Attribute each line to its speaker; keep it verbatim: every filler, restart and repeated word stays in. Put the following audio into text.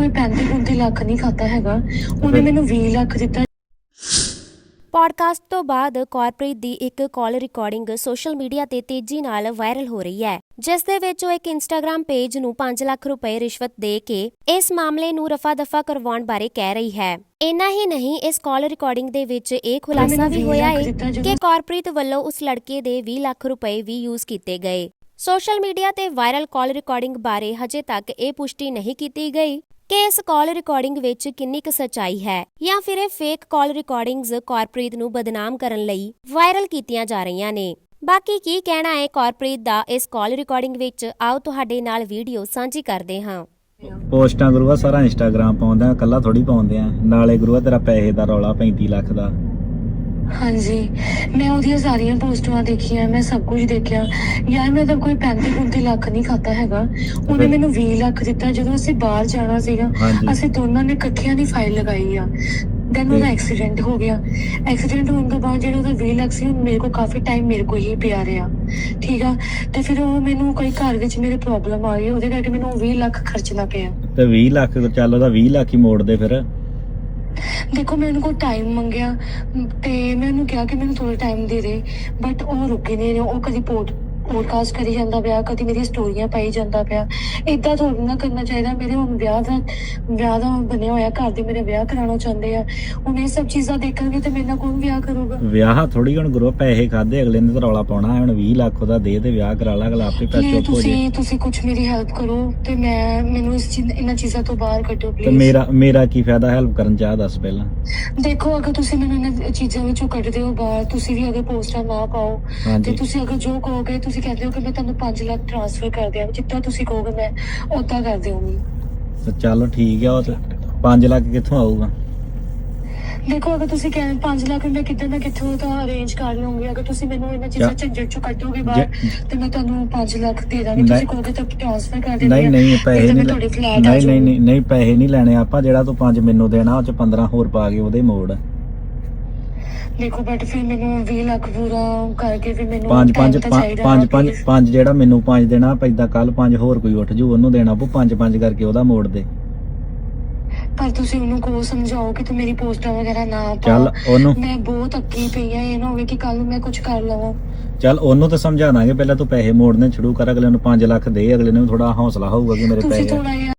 Speaker 1: पैंती पैंती ਲੱਖ ਨਹੀਂ ਖਾਤਾ ਹੈਗਾ, ਉਹਨੇ ਮੈਨੂੰ ਵੀਹ ਲੱਖ ਦਿੱਤਾ।
Speaker 2: ਪੌਡਕਾਸਟ ਤੋਂ ਬਾਅਦ ਕਾਰਪ੍ਰੀਤ ਦੀ ਇੱਕ ਕਾਲ ਰਿਕਾਰਡਿੰਗ ਸੋਸ਼ਲ ਮੀਡੀਆ ਤੇ ਤੇਜ਼ੀ ਨਾਲ ਵਾਇਰਲ ਹੋ ਰਹੀ ਹੈ, ਜਿਸ ਦੇ ਵਿੱਚ ਉਹ ਇੱਕ ਇੰਸਟਾਗ੍ਰਾਮ ਪੇਜ ਨੂੰ ਪੰਜ ਲੱਖ ਰੁਪਏ ਰਿਸ਼ਵਤ ਦੇ ਕੇ ਇਸ ਮਾਮਲੇ ਨੂੰ ਰਫਾ ਦਫਾ ਕਰਵਾਉਣ ਬਾਰੇ ਕਹਿ ਰਹੀ ਹੈ। ਇੰਨਾ ਹੀ ਨਹੀਂ, ਇਸ ਕਾਲ ਰਿਕਾਰਡਿੰਗ ਦੇ ਵਿੱਚ ਇਹ ਖੁਲਾਸਾ ਵੀ ਹੋਇਆ ਹੈ ਕਿ ਕਾਰਪ੍ਰੀਤ ਵੱਲੋਂ ਉਸ ਲੜਕੇ ਦੇ ਵੀਹ ਲੱਖ ਰੁਪਏ ਵੀ ਯੂਜ਼ ਕੀਤੇ ਗਏ। ਸੋਸ਼ਲ ਮੀਡੀਆ ਤੇ ਵਾਇਰਲ ਕਾਲ ਰਿਕਾਰਡਿੰਗ ਬਾਰੇ ਹਜੇ ਤੱਕ ਇਹ ਪੁਸ਼ਟੀ ਨਹੀਂ ਕੀਤੀ ਗਈ ਕਿ ਇਸ ਕਾਲ ਰਿਕਾਰਡਿੰਗ ਵਿੱਚ ਕਿੰਨੀ ਕੁ ਸੱਚਾਈ ਹੈ ਜਾਂ ਫਿਰ ਇਹ ਫੇਕ ਕਾਲ ਰਿਕਾਰਡਿੰਗਸ ਕਾਰਪ੍ਰੀਤ ਨੂੰ ਬਦਨਾਮ ਕਰਨ ਲਈ ਵਾਇਰਲ ਕੀਤੀਆਂ ਜਾ ਰਹੀਆਂ ਨੇ। ਬਾਕੀ ਕੀ ਕਹਿਣਾ ਹੈ ਕਾਰਪ੍ਰੀਤ ਦਾ ਇਸ ਕਾਲ ਰਿਕਾਰਡਿੰਗ ਵਿੱਚ, ਆਓ ਤੁਹਾਡੇ ਨਾਲ ਵੀਡੀਓ ਸਾਂਝੀ ਕਰਦੇ ਹਾਂ।
Speaker 3: ਪੋਸਟਾਂ ਗੁਰੂਆ ਸਾਰਾ ਇੰਸਟਾਗ੍ਰਾਮ ਪਾਉਂਦੇ ਆ, ਕੱਲਾ ਥੋੜੀ ਪਾਉਂਦੇ ਆ। ਨਾਲੇ ਗੁਰੂਆ ਤੇਰਾ ਪੈਸੇ ਦਾ ਰੌਲਾ ਪੈਂਤੀ ਲੱਖ ਦਾ।
Speaker 1: ਹਾਂਜੀ, ਮੈਂ ਉਹਦੀਆਂ ਸਾਰੀਆਂ ਪੋਸਟਾਂ ਦੇਖੀਆਂ, ਮੈਂ ਸਭ ਕੁਝ ਦੇਖਿਆ ਯਾਰ। ਮੈਂ ਤਾਂ ਕੋਈ ਪੈਂਤੀ ਪੈਂਤੀ ਲੱਖ ਨਹੀਂ ਖਾਤਾ ਹੈਗਾ, ਉਹਨੇ ਮੈਨੂੰ ਵੀਹ ਲੱਖ ਦਿੱਤਾ। ਜਦੋਂ ਅਸੀਂ ਬਾਹਰ ਜਾਣਾ ਸੀਗਾ, ਅਸੀਂ ਦੋਨਾਂ ਨੇ ਇਕੱਠਿਆਂ ਦੀ ਫਾਈਲ ਲਗਾਈ ਆ। ਦੈਨ ਉਹਦਾ ਐਕਸੀਡੈਂਟ ਹੋ ਗਿਆ। ਐਕਸੀਡੈਂਟ ਹੋਣ ਤੋਂ ਬਾਅਦ ਜਿਹੜਾ ਉਹਦਾ ਵੀਹ ਲੱਖ ਸੀ, ਮੇਰੇ ਕੋਲ ਕਾਫੀ ਟਾਈਮ ਮੇਰੇ ਕੋਲ ਹੀ ਪਿਆ ਰਿਹਾ, ਠੀਕ ਆ। ਤੇ ਫਿਰ ਉਹ ਮੈਨੂੰ ਕੋਈ ਘਰ ਵਿੱਚ ਮੇਰੇ ਪ੍ਰੋਬਲਮ ਆ ਗਈ, ਉਹਦੇ ਕਰਕੇ ਮੈਨੂੰ ਵੀਹ ਲੱਖ ਖਰਚਣਾ ਪਿਆ।
Speaker 3: ਤੇ ਵੀਹ ਲੱਖ ਚੱਲ, ਉਹਦਾ ਵੀਹ ਲੱਖ ਹੀ ਮੋੜ ਦੇ ਫਿਰ।
Speaker 1: ਦੇਖੋ, ਮੈਂ ਉਹਨੂੰ ਕੋਲ ਟਾਈਮ ਮੰਗਿਆ ਤੇ ਮੈਂ ਉਹਨੂੰ ਕਿਹਾ ਕਿ ਮੈਨੂੰ ਥੋੜਾ ਟਾਈਮ ਦੇ ਦੇ, ਬਟ ਉਹ ਰੁਕੇ ਨਹੀਂ ਰਿਹਾ। ਉਹ ਕਦੀ ਪੋਡ ਪੋਡਕਾਸਟ ਕਰੀ ਜਾਂਦਾ ਪਿਆ, ਕਦੀ ਮੇਰੀਆਂ ਸਟੋਰੀਆਂ ਪਾਈ ਜਾਂਦਾ ਪਿਆ। ਏਦਾਂ ਥੋੜ੍ਹਾ ਨਾ ਕਰਨਾ ਚਾਹੀਦਾ। ਮੇਰੇ ਹੁਣ ਵਿਆਹ ਦਾ ਵਿਆਹ ਦਾ ਬਣਿਆ ਹੋਇਆ, ਘਰ ਦੇ ਮੇਰੇ ਵਿਆਹ ਕਰਾਉਣਾ ਚਾਹੁੰਦੇ ਆ। ਹੁਣ ਇਹ ਸਭ ਚੀਜ਼ਾਂ ਦੇਖਣਗੇ ਤੇ ਮੇਰੇ ਨਾਲ ਕੌਣ ਵਿਆਹ ਕਰੂਗਾ? ਵਿਆਹ
Speaker 3: ਥੋੜੀ ਹੁਣ ਗੁਰੂ ਪੈਸੇ ਖਾਦੇ ਅਗਲੇ ਨੇ ਤਾਂ ਰੌਲਾ ਪਾਉਣਾ। ਹੁਣ ਵੀਹ ਲੱਖ ਉਹਦਾ ਦੇ ਤੇ ਵਿਆਹ ਕਰਾ ਲਾ, ਅਗਲਾ ਆਪੇ ਪੈਸੇ ਚੁੱਪ ਹੋ ਜੇ।
Speaker 1: ਤੁਸੀਂ ਕੁਝ ਮੇਰੀ ਹੈਲਪ ਕਰੋ ਤੇ ਮੈਂ ਮੈਨੂੰ ਇਸ ਚੀਜ਼ ਇਹਨਾਂ ਚੀਜ਼ਾਂ ਤੋਂ ਬਾਹਰ ਕੱਢੋ ਪਲੀਜ਼।
Speaker 3: ਤੇ ਮੇਰਾ ਮੇਰਾ ਕੀ ਫਾਇਦਾ ਹੈਲਪ ਕਰਨ ਚ? ਆ ਦੱਸ ਪਹਿਲਾਂ।
Speaker 1: ਦੇਖੋ, ਅਗਰ ਤੁਸੀਂ ਮੈਨੂੰ ਇਹਨਾਂ ਚੀਜ਼ਾਂ ਵਿੱਚੋਂ ਕੱਢਦੇ ਹੋ ਬਾਹਰ, ਤੁਸੀਂ ਵੀ ਅਗਰ ਪੋਸਟਾਂ ਨਾ ਪਾਓ ਤੇ ਤੁਸੀਂ ਅਗਰ ਜੋ ਕਹੋਗੇ, ਤੁਸੀਂ ਕਹਿੰਦੇ ਹੋ ਕਿ ਮੈਂ ਤੁਹਾਨੂੰ ਪੰਜ ਲੱਖ ਟ੍ਰਾਂਸਫਰ ਕਰ ਦਿਆਂ, ਜਿੱਦਾਂ ਤੁਸੀਂ ਕਹੋਗੇ ਮੈਂ ਉਦਾਂ ਕਰ ਦਿਆਂਗੀ।
Speaker 3: ਚਲੋ ਠੀਕ ਆ। ਉਹ ਤੇ ਪੰਜ ਲੱਖ ਕਿੱਥੋਂ ਆਊਗਾ?
Speaker 1: ਦੇਖੋ, ਅਗਰ ਤੁਸੀਂ ਕਹਿੰਦੇ ਪੰਜ ਲੱਖ ਮੈਂ ਕਿੱਦਾਂ ਨਾ ਕਿੱਥੋਂ ਤਾਂ ਅਰੇਂਜ ਕਰ ਲਵਾਂਗੀ। ਅਗਰ ਤੁਸੀਂ ਮੈਨੂੰ ਇਹਨਾਂ ਚੀਜ਼ਾਂ ਝੰਜਟ ਚੋਂ ਕੱਢੋਗੇ ਬਾਹਰ ਤੇ ਮੈਂ ਤੁਹਾਨੂੰ ਪੰਜ ਲੱਖ ਦੇ ਦਾਂਗੀ। ਤੁਸੀਂ ਕਹੋਗੇ ਤਾਂ ਟ੍ਰਾਂਸਫਰ ਕਰ ਦਿੰਦੀ।
Speaker 3: ਨਹੀਂ ਨਹੀਂ ਪੈਸੇ ਨਹੀਂ ਨਹੀਂ ਨਹੀਂ ਨਹੀਂ ਪੈਸੇ ਨਹੀਂ ਲੈਣੇ ਆਪਾਂ। ਜਿਹੜਾ ਤੂੰ ਪੰਜ ਮੈਨੂੰ ਦੇਣਾ, ਉਹ ਚ ਪੰਦਰਾਂ ਹੋਰ ਪਾ ਕੇ ਉਹਦੇ ਮੋੜ।
Speaker 1: ਦੇਖੋ, ਬਟ ਫਿਰ ਮੈਨੂੰ ਵੀਹ ਲੱਖ ਪੂਰਾ ਕਰਕੇ ਫਿਰ ਮੈਨੂੰ
Speaker 3: ਪੰਜ ਪੰਜ ਪੰਜ ਪੰਜ ਪੰਜ ਜਿਹੜਾ ਮੈਨੂੰ ਪੰਜ ਦੇਣਾ ਪੈਂਦਾ, ਕੱਲ ਪੰਜ ਹੋਰ ਕੋਈ ਉੱਠ ਜੂ ਉਹਨੂੰ ਦੇਣਾ ਪਊ। ਪੰਜ ਪੰਜ ਕਰਕੇ ਉਹਦਾ ਮੋੜ ਦੇ।
Speaker 1: ਪਰ ਤੁਸੀਂ ਉਹਨੂੰ ਕੋ ਸਮਝਾਓ ਕਿ ਤੂੰ ਮੇਰੀ ਪੋਸਟਾਂ ਵਗੈਰਾ ਨਾ ਪਾ।
Speaker 3: ਚੱਲ ਉਹਨੂੰ,
Speaker 1: ਮੈਂ ਬਹੁਤ ਅੱਕੀ ਪਈ ਆ। ਇਹ ਨਾ ਹੋਵੇ ਕਿ ਕੱਲ ਨੂੰ ਮੈਂ ਕੁਝ ਕਰ ਲਵਾਂ।
Speaker 3: ਚੱਲ ਉਹਨੂੰ ਤਾਂ ਸਮਝਾ ਦਾਂਗੇ, ਪਹਿਲਾਂ ਤੂੰ ਪੈਸੇ ਮੋੜਨੇ ਸ਼ੁਰੂ ਕਰ। ਅਗਲੇ ਨੂੰ ਪੰਜ ਲੱਖ ਦੇ, ਅਗਲੇ ਨੂੰ ਥੋੜਾ ਹੌਸਲਾ ਹੋਊਗਾ ਕਿ ਮੇਰੇ ਪੈਸੇ